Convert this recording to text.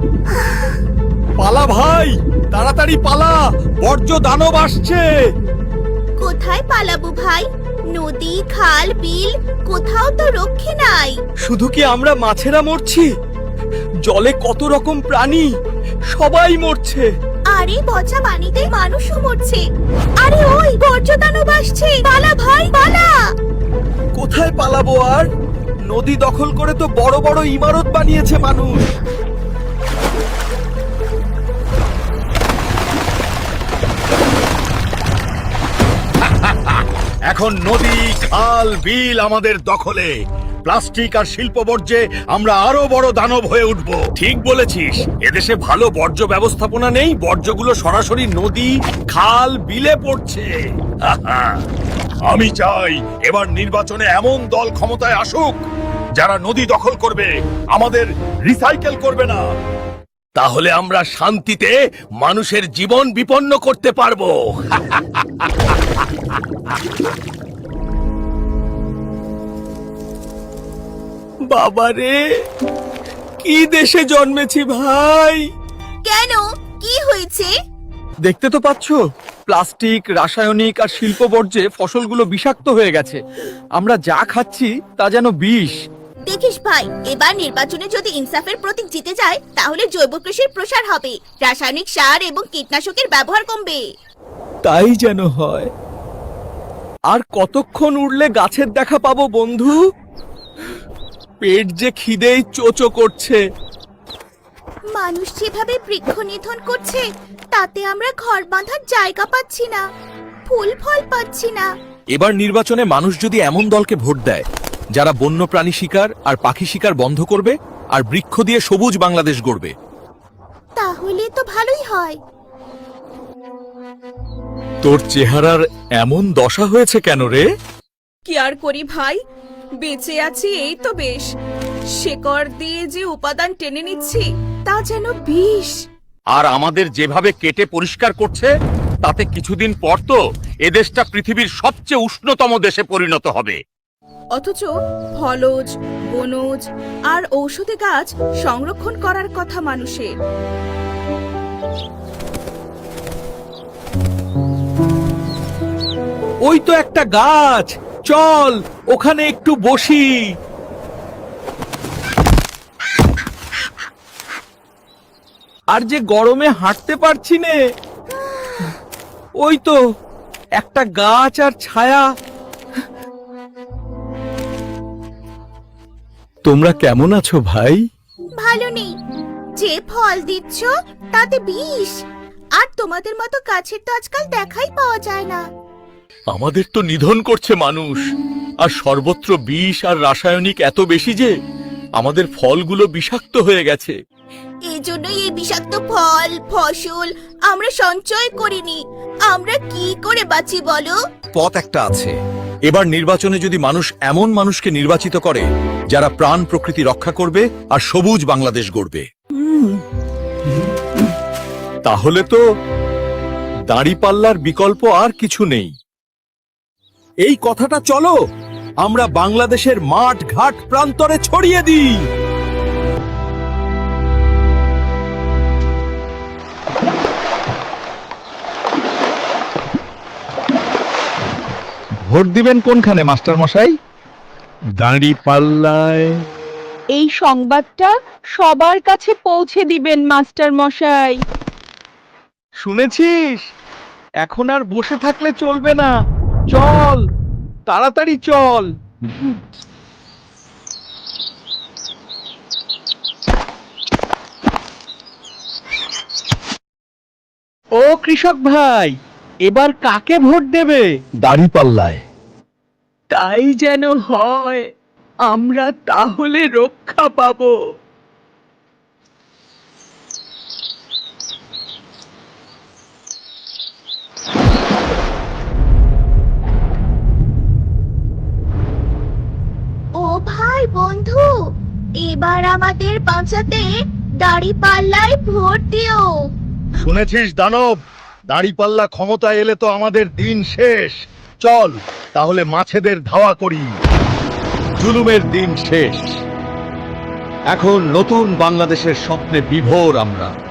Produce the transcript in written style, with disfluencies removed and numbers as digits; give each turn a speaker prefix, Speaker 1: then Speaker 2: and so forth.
Speaker 1: পালা ভাই, তাড়াতাড়ি পালা, বর্জ্য দানব আসছে।
Speaker 2: কোথায় পালাবো ভাই? নদী, খাল, বিল কোথাও তো রক্ষে নাই।
Speaker 1: শুধু কি আমরা মাছেরা মরছি? জলে কত রকম প্রাণী, সবাই মরছে।
Speaker 2: আরে পচা পানিতে মানুষও মরছে। আরে ওই বর্জ্য দানব আসছে, পালা ভাই পালা।
Speaker 1: কোথায় পালাবো আর? নদী দখল করে তো বড় বড় ইমারত বানিয়েছে মানুষ।
Speaker 3: এখন নদী, খাল, বিল আমাদের দখলে। প্লাস্টিক আর শিল্প বর্জ্যে আমরা আরো বড় দানব হয়ে উঠব।
Speaker 1: ঠিক বলেছিস, এদেশে ভালো বর্জ্য ব্যবস্থাপনা নেই, বর্জ্যগুলো সরাসরি নদী, খাল, বিলে পড়ছে।
Speaker 3: আমি চাই এবার নির্বাচনে এমন দল ক্ষমতায় আসুক যারা নদী দখল করবে, আমাদের রিসাইকেল করবে না।
Speaker 1: তাহলে আমরা শান্তিতে মানুষের জীবন বিপন্ন করতে পারবো। বাবারে, কি দেশে জন্মেছি ভাই!
Speaker 2: কেন, কি হয়েছে?
Speaker 1: দেখতে তো পাচ্ছ, প্লাস্টিক, রাসায়নিক আর শিল্প বর্জ্যে ফসলগুলো বিষাক্ত হয়ে গেছে। আমরা যা খাচ্ছি তা যেন বিষ।
Speaker 2: দেখিস ভাই, এবার নির্বাচনে যদি ইনসাফের প্রতীক জিতে যায় তাহলে জৈব কৃষির প্রসার হবে, রাসায়নিক সার এবং কীটনাশকের ব্যবহার কমবে।
Speaker 1: তাই যেন হয়। আর কতক্ষণ উড়লে গাছের দেখা পাবো বন্ধু? পেট যে খিদেই চোচো করছে।
Speaker 2: মানুষ যেভাবে বৃক্ষ নিধন করছে তাতে আমরা ঘর বাঁধার জায়গা পাচ্ছি না, ফুল ফল পাচ্ছি না।
Speaker 4: এবার নির্বাচনে মানুষ যদি এমন দলকে ভোট দেয় যারা বন্যপ্রাণী শিকার আর পাখি শিকার বন্ধ করবে আর বৃক্ষ দিয়ে সবুজ বাংলাদেশ গড়বে,
Speaker 2: তাহলে তো ভালোই হয়।
Speaker 1: তোর চেহারার এমন দশা হয়েছে কেন রে?
Speaker 5: কি আর করি ভাই, বেঁচে আছি এই তো বেশ। শেকড় দিয়ে যে উপাদান টেনে নিচ্ছি তা যেন বিষ।
Speaker 3: আর আমাদের যেভাবে কেটে পরিষ্কার করছে তাতে কিছুদিন পর তো এদেশটা পৃথিবীর সবচেয়ে উষ্ণতম দেশে পরিণত হবে।
Speaker 5: অথচ ফলজ, বনজ আর ঔষধি গাছ সংরক্ষণ করার কথা মানুষের।
Speaker 1: ওই তো একটা গাছ, চল ওখানে একটু বসি। আর যে গরমে হাঁটতে পারছি নে। ওই তো একটা গাছ আর ছায়া। তোমরা কেমন আছো ভাই?
Speaker 2: ভালো নেই, যে ফল দিচ্ছ তাতে বিষ, আর তোমাদের মতো গাছের তো আজকাল দেখাই পাওয়া যায় না।
Speaker 1: আমাদের তো নিধন করছে মানুষ, আর সর্বত্র বিষ আর রাসায়নিক এত বেশি যে আমাদের ফলগুলো বিষাক্ত হয়ে গেছে।
Speaker 2: এই জন্যই এই বিষাক্ত ফল ফসল আমরা সঞ্চয় করিনি। আমরা কি করে বাঁচি বলো?
Speaker 4: পথ একটা আছে। এবার নির্বাচনে যদি মানুষ এমন মানুষকে নির্বাচিত করে যারা প্রাণ প্রকৃতি রক্ষা করবে আর সবুজ বাংলাদেশ গড়বে,
Speaker 1: তাহলে তো দাঁড়িপাল্লার বিকল্প আর কিছু নেই। এই কথাটা চলো আমরা বাংলাদেশের মাঠ ঘাট প্রান্তরে ছড়িয়ে দিই।
Speaker 6: ভোট দিবেন কোনখানে মাস্টার মশাই?
Speaker 1: দাঁড়িপাল্লায়।
Speaker 7: এই সংবাদটা সবার কাছে পৌঁছে দিবেন মাস্টার মশাই।
Speaker 1: শুনেছিস? এখন আর বসে থাকলে চলবে না, চল তাড়াতাড়ি চল। ও কৃষক ভাই, এবার কাকে ভোট দেবে?
Speaker 6: দাঁড়িপাল্লায়।
Speaker 7: তাই যেন হয়, আমরা তাহলে রক্ষা পাবো।
Speaker 2: ও ভাই বন্ধু, এবার আমাদের বাঁচাতে দাঁড়িপাল্লায় ভোট দিও।
Speaker 3: শুনেছিস দানব, দাঁড়িপাল্লা ক্ষমতায় এলে তো আমাদের দিন শেষ। চল তাহলে মাছেদের ধাওয়া করি, জুলুমের দিন শেষ।
Speaker 1: এখন নতুন বাংলাদেশের স্বপ্নে বিভোর আমরা।